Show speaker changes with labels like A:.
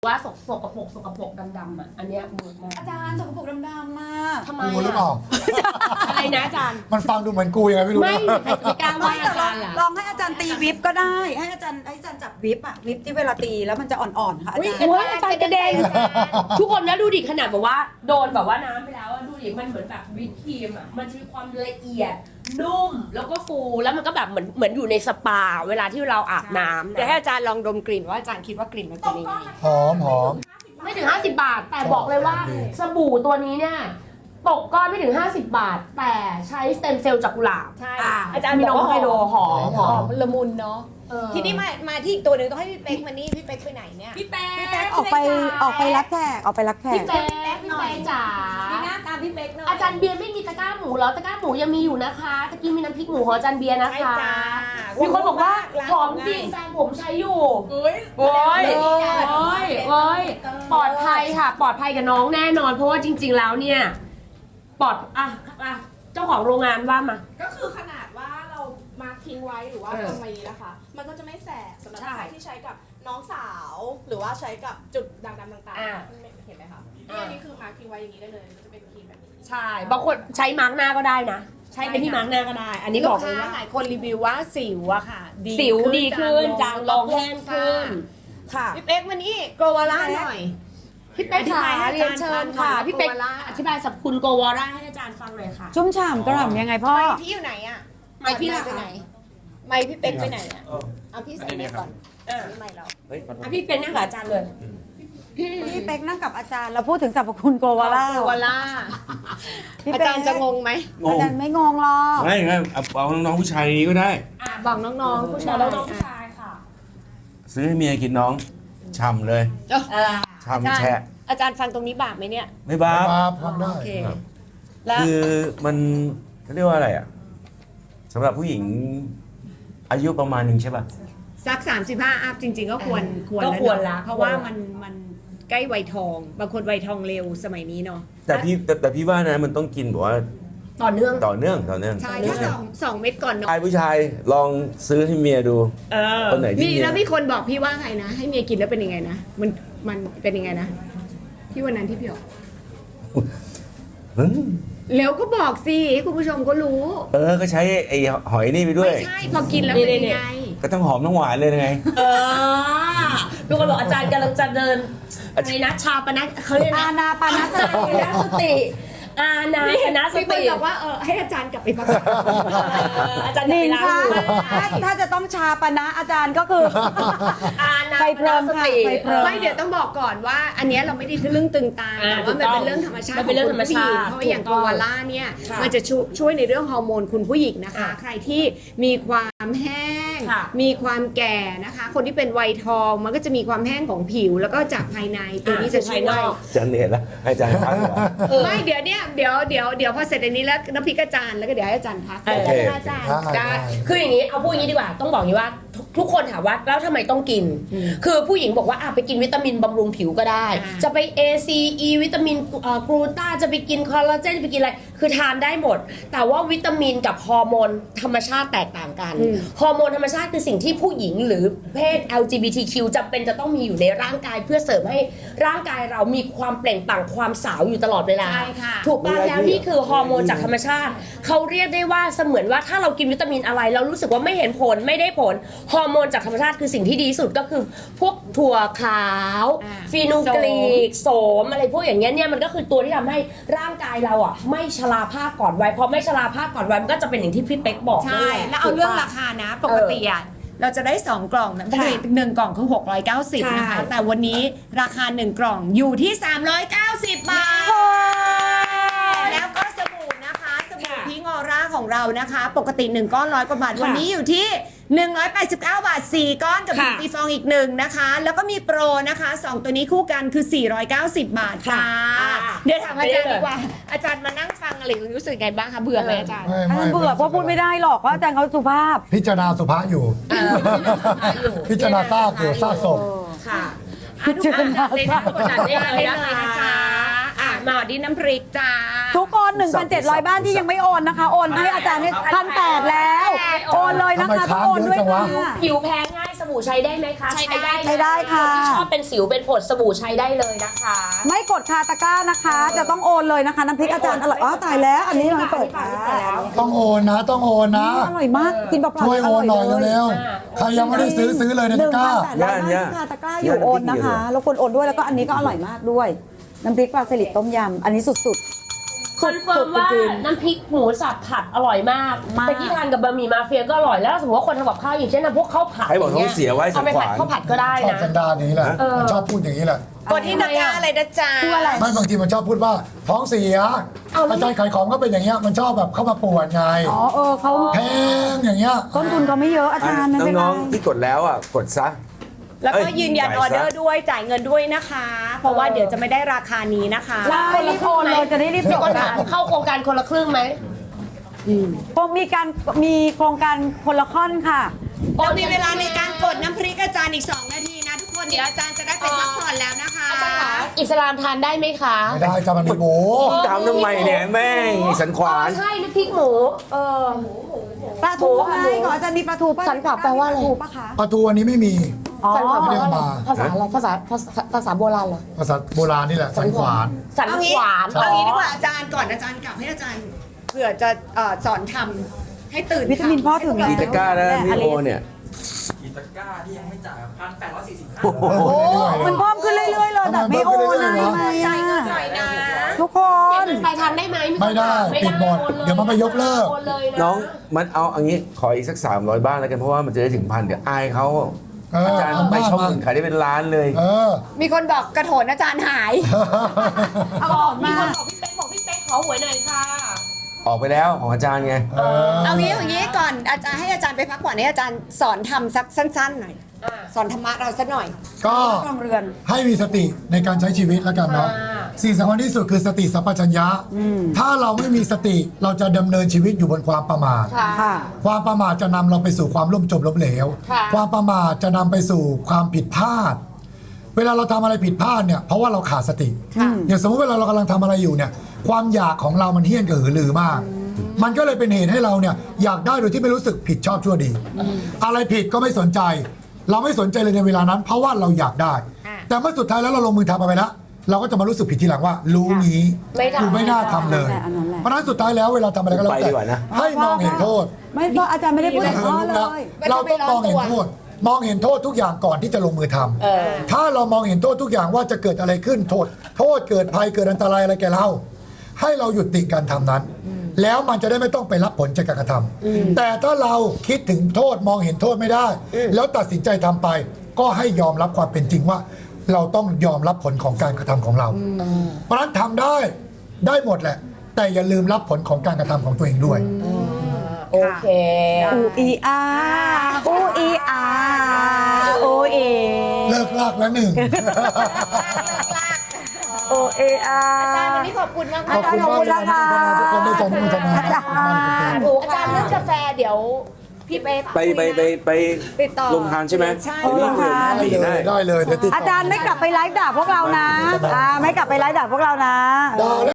A: ว่าสกปรกดำๆอ่ะอันเนี้ยเวิร์กมาก
B: อาจารย์สกปรกดำๆมาก
A: ทำไม
C: กูหรือเปล่า
A: อะไรนะอาจารย์
C: มันฟังดูเหมือนกูยังไงไม่รู้
A: ไม่
C: นะ
A: ใครจะไปกล้าว่าอาจารย์ล่ะ
B: ลองให้อาจารย์ตีวิปก็ได้ ให้อาจารย์จับวิปอะวิปที่เวลาตีแล้วมันจะอ่อนๆค่ะอาจารย์
A: โอ้ยอาจารย์กระเด็นทุกคนนะดูดิขนาดแบบว่าโดนแบบว่าน้ำไปแล้วอะดูดิมันเหมือนแบบวิปครีมอ่ะมันจะมีความละเอียดนุ่มแล้วก็ฟูแล้วมันก็แบบเหมือนอยู่ในสปาเวลาที่เราอาบน้ำ
D: เดี๋ยว
A: นะ
D: ให้อาจารย์ลองดมกลิ่นว่าอาจารย์คิดว่ากลิ่นมันเป็นยังไง
C: หอม
A: ไม่ถึง 50 บาท แต่บอกเลยว่าสบู่ตัวนี้เนี่ยตกก้อนไม่ถึง 50 บาท แต่ใช้สเต็มเซลล์จากกุหลาบ
D: ใช่
A: อา
D: อาจารย์
A: มี
D: บอก
A: นม
D: ว่า
A: ไฮโดรหอม
D: หอมละมุนเนาะ
A: เออ
D: ทีนี้มาที่อีกตัวหนึ่งต้องให้พี่เป๊กมานี่พี่เป๊กไปไหนเนี่ย
A: พี่แป๊ก
B: พี่แป๊กออกไปรับแขกออกไปรับแข
A: พี่
B: ก
A: แป๊กพี่แป๊กจ๋า
D: นี่หน้าตามพี่เป๊กหน่อย
A: อาจารย์เบียร์ไม่มีตะกร้าหมูเหรอตะกร้าหมูยังมีอยู่นะคะตะกี้มีน้ำพริกหมูของอาจารย์เบียร์นะ
D: ใช่
A: คะ
D: จ้า
A: มีคนบอกว่า
D: ร้น
A: หอมจริงแฟนผมใช้อยู่
D: เฮ้ย
A: โอ้ยโอ้ยโอ้ยปลอดภัยค่ะ ปลอดภัยกับน้องแน่นอน เพราะว่าจริง ๆ แล้วเนี่ยปลอดเจ้าของโรงงานว่ามา
E: ก็คือขนาดว่าเรามาร์คทิ้งไว้หรือว่า
A: เออ
E: ตรงนี้นะคะ มันก็จะไม่แสบสำหรับ
A: ใช่
E: ใครที่ใช้กับน้องสาว หรือว่าใช้กับจุดด่างดำต่าง
A: อ่า
E: ๆเห็นไหมคะ
A: อ่า
E: อันนี้คือมาร์คทิ้งไว้อย่างนี้ได้เลย มันจะเป็นครีมแบบนี้
A: ใช่บางคนใช้มาร์กหน้าก็ได้นะ ใช้เป็นที่มาร์กหน้าก็ได้ อันนี้
D: นี่
A: บบ อ
D: อก ก
A: เลย
D: ว่า
A: ว่า
D: หลายคนรีวิวว่าสิวอะค่ะ
A: สิวดีขึ้นจางลงแห้งขึ้นค่ะ
D: พี่เป๊กมานี่โกวาล่าหน่อย
A: พี่เป๊กค่ะ
D: อธิบายให้อา
A: เรีย
D: จาร
A: น
D: ย์
A: เชิญ
D: ฟังหน่
A: ค่ะ
D: อย
A: พี่เป๊ก
D: โกวาล่า
A: อธิบายสรรพคุณโกวาร่าให้อาจารย์ฟังหน่อยค่ะ
B: ชุ่มฉ่ำกระหล่ำยังไงพ่อ
D: ไมค์พี่อยู่ไหนอะ
A: ไมค์พี่ล่ะ
D: ไปไหนไมค์พี่เป๊กไปไหนอะเอาพี่ใส่ไมค์ก่อนนี่ไมค์เรา
A: พี่เป็นนั่งกับอาจารย์เลย
B: พี่เป๊กนั่งกับอาจารย์เราพูดถึงสรรพคุณโกวาล่า
D: โกวาล่า
B: พี่
D: อา
B: เป๊ก
D: จารย์จะงงไหม
B: อาจารย์ไม่งงหรอก
F: ไม่เอาน้องๆผู้ชายในนี้ก็ได้
D: บอกน้องๆผู้ชาย
A: แล้วน้องผู้ชายค่ะ
F: ซื้อให้เมียกินน้องฉ่ำเลยฉ่ำแฉะ
D: อาจารย์ฟังตรงนี้บาปไหมเนี่ย
F: ไม่บ้า
C: มาพักได้
D: โอเค แล้ว
F: คือมันเขาเรียกว่าอะไรอ่ะสำหรับผู้หญิงอายุประมาณหนึ่งใช่ป่ะ
D: สัก35อัพจริงๆก็ควร
A: ก็ควรละ
D: เพราะว่ามันใกล้วัยทอง บางคนวัยทองเร็วสมัยนี้เนาะ
F: แต่พี่ว่านะมันต้องกินแบบว่า
A: ต่อเนื่อง
F: ต่อเนื่อง
D: ใช่ถ้าสองเม็ดก่อนเนาะ
F: ผู้ชายลองซื้อให้เมียดู
A: เออ
F: คนไหนที่
D: มี
F: เมีย
D: แล้วมีคนบอกพี่ว่าไงนะ ให้เมียกินแล้วเป็นยังไงนะ มันเป็นยังไงนะ ที่วันนั้นที่พี่บอก
F: อืม
D: แล้วก็บอกสิให้คุณผู้ชมก็รู้
F: ก็ใช้ไอ้หอยนี่ไปด้วย
D: ไม่ใช่พอกินแล้วเป็นยังไง
F: ก็ต้องหอมทั้งหวานเลยไง
A: เออทุกคนบอกอาจารย์กำลังจะเดินอะไรนะชาปนเขาเรียก
B: อา
A: นะ
B: ณาปานาสติ
A: สติอานาปนส
D: มีคน
A: ติ
D: บอกว่าให้อาจารย์กลับไปพัก
A: อาจารย์
B: หนิง
A: ค่ะ
B: ค่ะถ้าจะต้องชาปนะอาจารย์ก็คือ
A: อานา
B: ไฟเพลิงค่ะไฟเพลิง
D: ไม่เดี๋ยวต้องบอกก่อนว่า อันเนี้ยเราไม่ได้เรื่องตึงตา
A: อ่า
D: แต่ว่ามันเป็นเรื่องธรรมชาติ
A: มันเป็นเรื่องธรรมชาติ
D: ของคุณผู้หญิงเพราะว่าอย่าง
A: ถู
D: โก
A: กต้อง
D: วาล่าเนี่ย
A: ค่ะ
D: มันจะช่วยในเรื่องฮอร์โมนคุณผู้หญิงนะคะ
A: อ่า
D: ใครที่มีความแห้ง
A: ค่ะ
D: มีความแก่นะคะ คนที่เป็นวัยทองมันก็จะมีความแห้งของผิว แล้วก็จากภายในตัวนี้จะช่วย
F: อาจารย์เหนื่อยแล้วให้อาจารย์พักดีกว่า
D: ไม่เดี๋ยวเนี่ยเดี๋ยวพอเสร็จอันนี้แล้วน้ำพริกอาจารย์แล้วก็เดี๋ยวให้อาจารย์พัก
A: โอเค
D: อาจารย์
A: ได้คืออย่างนี้เอาพูดอย่างนี้ดีกว่าต้องบอกอย่างนี้ว่าทุกคนถามว่าแล้วทำไมต้องกิน คือผู้หญิงบอกว่าไปกินวิตามินบำรุงผิวก็ได้ จะไป A C E วิตามินกลูตาจะไปกินคอลลาเจนจะไปกินอะไรคือทานได้หมด แต่ว่าวิตามินกับฮอร์โมนธรรมชาติแตกต่างกันฮอร์โมนธรรมชาติคือสิ่งที่ผู้หญิงหรือเพศ LGBTQ จำเป็นจะต้องมีอยู่ในร่างกายเพื่อเสริมให้ร่างกายเรามีความเปล่งปลั่งความสาวอยู่ตลอดเวลา
D: ใช่ค่ะ
A: ถูกป่ะแล้วนี่คือฮอร์โมนจากธรรมชาติเขาเรียกได้ว่าเสมือนว่าถ้าเรากินวิตามินอะไรเรารู้สึกว่าไม่เห็นผลไม่ได้ผลฮอร์โมนจากธรรมชาติคือสิ่งที่ดีที่สุดก็คือพวกถั่วขาวฟีนูกรีกโสมอะไรพวกอย่างเงี้ยเนี่ยมันก็คือตัวที่ทำให้ร่างกายเราไม่ชราภาพก่อนวัยพอไม่ชราภาพก่อนวัยมันก็จะเป็นอย่างที่พี่เป๊กบอก
D: ใช่ แล้วเอาเรื่องราคานะปกติอ่ะเราจะได้ 2 กล่องนะปกติ1กล่องคือ690นะคะ แต่วันนี้ราคา 1 กล่องอยู่ที่ 390 บาท แล้วก็สบู่นะคะสบู่พิงออร่าของเรานะคะ ปกติ 1 ก้อน100 กว่าบาท วันนี้อยู่ที่ 189 บาท 4 ก้อนกับบิวตี้ฟองอีก1นะคะ แล้วก็มีโปรนะคะ 2 ตัวนี้คู่กันคือ 490 บาทจ้าเดี๋ยวถามอาจารย์ดีกว่า อาจารย์มานั่งฟังอะไรรู้สึกไงบ้างคะเบื่อไหมอาจารย์
B: อาจารย์เบื่อเพราะพูดไม่ได้หรอกว่าอาจารย์เขาสุภาพ
C: พิจารณาสุภาพอยู่ พิจารณาซากอยู่ซากศพ
A: ค่ะ
D: ทุกคน
A: เลยนะกดดันได้เลยนะคะ
D: จ๊ะมาดินน้ำพริกจ้า
B: ทุกคน 1,700 บ้านที่ยังไม่โอนนะคะ โอนให้อาจารย์ให้1,800แล้ว โอนเลยนะคะ
C: ทำไม
B: ต้องโอนด้วย
C: ค้างเยอะจัง
B: ค่ะ
C: วะ
A: ผิวแพ้ง่ายสบู่ใช้ได้ไหมคะ
D: ใช้ได้
B: ใช้ได้ค่ะ
A: นที่ชอบเป็นสิวเป็นผดสบู่ใช้ได้เลยนะคะ
B: ไม่กดคาตะกร้านะคะ จะต้องโอนเลยนะคะน้ำพริกอาจารย์อร่อยอ๋อตายแล้ว อันนี้เราเปิดแล้ว
C: ต้องโอนนะต้องโอนนะ
B: อร่อยมากกินเปล่าๆ
C: ช่วยโอนหน่อยเร็ว
A: อ่า
C: ๆใครยังไม่ได้ซื้อเลยในตะกร้า
B: 1,800คาตะกร้าอยู่โอนนะคะแล้วคนโอนด้วยแล้วก็อันนี้ก็อร่อยมากด้วย น้ำพริกปลาสลิดต้มยำอันนี้สุด
A: คอนเฟิร์มว่า
B: จริง
A: น้ำพริกหมูสับผัดอร่อยมาก
B: มาก
A: แต่ที่ทานกับบะหมี่มาเฟียก็อร่อยแล้วสมมติว่าคนทำกับข้าวอย่างเช่นนะพวกข้าวผัด
F: ใครบอกท้องเสียไว้
A: เอาไปผัด
F: สันขวาน
A: ข้าวผัดก็ได้
C: ชอบ
A: นะ
C: สันดานอย่างนี้แหละ มันชอบพูดอย่างนี้แหละ
D: กดที่ตะกร้าอะไรนะจ๊ะ
A: คืออะไร
C: ไม่บางทีมันชอบพูดว่าท้องเสีย
A: เอาแล้ว
C: อาจารย์ขายของก็เป็นอย่างเงี้ยมันชอบแบบเข้ามาปวดไง
B: ๆอ๋อเขา
C: แพงอย่างเงี้ย
B: ต้นทุนเขาไม่เยอะอาจารย์ไม่เป็นไร
F: น้องๆที่กดแล้วอ่ะกดซะ
D: แล้วก็ยืนยันอ
F: จ่า
D: อย
F: ซะ
D: เดอร์ด้วยจ่ายเงินด้วยนะคะ เพราะว่าเดี๋ยวจะไม่ได้ราคานี้นะคะ
B: ใช่รีบโอนเลยจะได้รีบ
A: มี
B: จบ
A: คน
B: กั
A: ถาน มเข้าโครงการคนละครึ่งไหม
B: คงมีโครงการคนละค่อนค่ะ
D: เรามีเวลาในการกดน้ำพริกอาจารย์อีก 2 นาทีนะทุกคน เดี๋ยวอาจารย์จะได้ไปพักผ่อนแล้วนะคะ
A: อาจารย์คะอิสลามทานได้ไหมคะ
C: ไม่ได้จะมันมีหมู
F: ถามทำไมเนี่ยแม่งสันขวาน
A: ใช่น้ำพริกหมู
B: ปลาทูไงของอาจารย์มีปลาทูป่ะ
A: สันขวาแปลว่าอะไร
B: ปลทูปะคะ
C: ปลาทูอันนี้ไม่มี
B: อ๋อ
A: สันขวาแปลว่าอะไร
C: ไม่ได้เอามา
A: ภาษาอะไรภาษาโบราณเหรอ
C: ภาษาโบราณนี่แหละสันขวาน
A: สัน
D: เอา
A: ข
D: งี้
A: วาน
D: เอางี้ดีกว่าอาจารย์ก่อนอาจารย์กลับให้อาจารย์เผื่อจะสอนทำให้ตื่น
B: วิตามินพ่อถึงแล้ว
F: กีตาก้านะพี่โอเนี่ย
G: กีตาก้าที่ยังไม่จ่าย1,845
C: โอ้โห
B: โอ้มันเพิ่มขึ้นเรื่อยๆเลยแบบไม่โอนนะ
C: ทำไม
B: ทำไม
C: เพิ่มขึ้นเรื่อยๆวะ
B: อะ
D: หน่อยนะ
B: ทุกคน
A: ไปทานได้ไหม
C: ไม่ได้ปิดหมดเดี๋ยวมันไปยกเลิก
A: โอนเลยะ
F: น้องมันเอาอันนี้ขออีกสัก300 บ้านแล้วกันเพราะว่ามันจะได้ถึง1,000เดี๋ยวอายเขา อาจารย์ไปช่องอื่นขายได้เป็นล้านเลย
C: เออ
D: มีคนบอกกระโถนอาจารย์หาย
A: บอกมีคนบอกพี่เป๊กขอหวยหน่อยค่ะ
F: ออกไปแล้วของอาจารย์ไง
D: เอางี้ก่อนอาจารย์ให้อาจารย์ไปพักผ่อนให้อาจารย์สอนทำสักสั้นๆหน่อย สอนธรรมะเราสักหน่อย
C: ก็
B: โรงเรือน
C: ให้มีสติในการใช้ชีวิตแล้วกันเนาะ สิ่งสำคัญที่สุดคือสติสัมปชัญญะ ถ้าเราไม่มีสติเราจะดำเนินชีวิตอยู่บนความประมาท
B: ค่ะ
C: ความประมาทจะนำเราไปสู่ความล่มจมล้มเหลว
A: ค่ะ
C: ความประมาทจะนำไปสู่ความผิดพลาด เวลาเราทำอะไรผิดพลาดเนี่ยเพราะว่าเราขาดสติ อย่างสมมติเวลาเรากำลังทำอะไรอยู่เนี่ยความอยากของเรามันเฮี้ยนกระหือรือมาก มันก็เลยเป็นเหตุให้เราเนี่ยอยากได้โดยที่ไม่รู้สึกผิดชอบชั่วดี อะไรผิดก็ไม่สนใจ เราไม่สนใจเลยในเวลานั้น เพราะว่าเราอยากได้ แต่เมื่อสุดท้ายแล้วเราลงมือทำไปแล้ว เราก็จะมารู้สึกผิดทีหลังว่า รู้งี้
A: ไม่ทำ
C: กูไม่น่าทำเลย
B: อันนั้นแหละ
C: เพราะฉะนั้นสุดท้ายแล้วเวลาทำอะไรก็แล้ว
F: ไป
C: แต่
F: ดีกว่านะ
C: ให้มองเห็นโทษ
B: ไม่เพราะอาจารย์ไม่ได้พูดถึงพ่อเลย
C: เราต้องมองเห็นโทษ มองเห็นโทษทุกอย่างก่อนที่จะลงมือทำถ้าเรามองเห็นโทษทุกอย่างว่าจะเกิดอะไรขึ้นโทษเกิดภัยเกิดอันตรายอะไรแก่เรา ให้เราหยุดติการทำนั้น แล้วมันจะได้ไม่ต้องไปรับผลจากการกระทำแต่ถ้าเราคิดถึงโทษมองเห็นโทษไม่ได้ แล้วตัดสินใจทำไป ก็ให้ยอมรับความเป็นจริงว่า เราต้องยอมรับผลของการกระทำของเรา เพราะฉะนั้นทำได้หมดแหละ แต่อย่าลืมรับผลของการกระทำของตัวเองด้วย
A: โอเค
B: อูอีอาอูอีอาอูเอ
C: เลิกลากแล้วหนึ่ง
B: โอเออา
D: อาจารย์วันนี้ขอบคุณมาก
C: ขอบคุณมากเลยนะทุกคนได้ใจมุ่งจะมา
B: อาจารย์
A: อาจารย์เรื่องกาแฟเดี๋ยวพี่เป๊ก
F: ไป
D: ติดต่อ
F: ลงทานใช่ไหม
D: ใช่
F: เดี๋ยวนี้
C: ได้เลยเดี๋ยวติดต่อ
B: อาจารย์ไม่กลับไปไลฟ์ด่าพวกเรานะไม่กลับไปไลฟ์ด่าพวกเรานะ
C: ได้